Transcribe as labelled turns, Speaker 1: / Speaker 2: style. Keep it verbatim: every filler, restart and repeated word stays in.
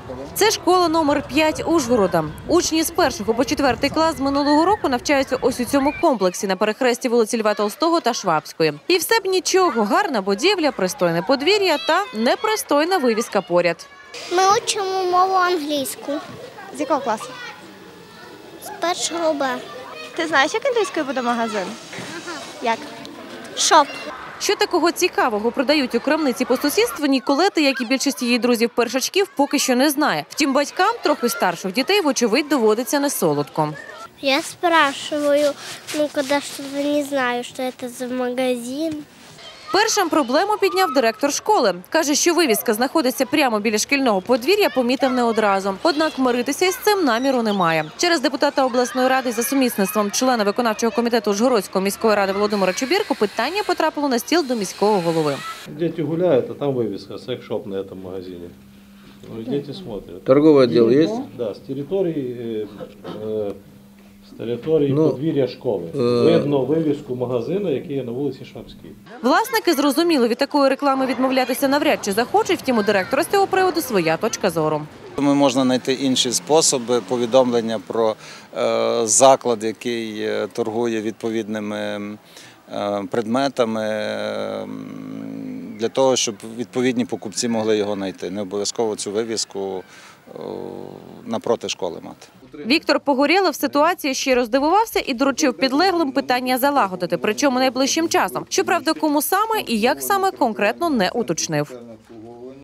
Speaker 1: Це школа номер п'ять Ужгорода. Учні з першого по четвертий клас з минулого року навчаються ось у цьому комплексі на перехресті вулиці Льва Толстого та Швабської. І все б нічого, гарна будівля, пристойне подвір'я та непристойна вивіска поряд.
Speaker 2: Ми учимо мову англійську.
Speaker 3: З якого класу?
Speaker 2: З першого Б.
Speaker 3: Ти знаєш, як англійською буде магазин? Як?
Speaker 2: Шоп.
Speaker 1: Що такого цікавого продають у крамниці по сусідству, Ніколета, як і більшість її друзів-першачків, поки що не знає. Втім, батькам трохи старших дітей, вочевидь, доводиться несолодко.
Speaker 2: Я спрашиваю, ну, когда что-то не знаю, что это за магазин.
Speaker 1: Першим проблему підняв директор школи. Каже, що вивіска знаходиться прямо біля шкільного подвір'я, помітив не одразу. Однак миритися із цим наміру немає. Через депутата обласної ради за сумісництвом члена виконавчого комітету Ужгородської міської ради Володимира Чубірку питання потрапило на стіл до міського голови.
Speaker 4: Діти гуляють, а там вивіска секс-шоп на цьому магазині. Ну, діти смотрят.
Speaker 5: Торговый отдел есть?
Speaker 4: Да, з території, е, з території
Speaker 5: Ну,
Speaker 4: подвір'я школи.
Speaker 5: е,
Speaker 4: Видно вивіску магазину, який є на вулиці Швабській.
Speaker 1: Власники зрозуміли, від такої реклами відмовлятися навряд чи захочуть, втім у директора з цього приводу своя точка зору.
Speaker 6: Ми можна знайти інші способи повідомлення про е, заклад, який е, торгує відповідними е, предметами, е, для того, щоб відповідні покупці могли його знайти. Не обов'язково цю вивіску е, напроти школи мати.
Speaker 1: Віктор Погорєлов в ситуації ще роздивувався і доручив підлеглим питання залагодити, причому найближчим часом. Щоправда, кому саме і як саме конкретно не уточнив.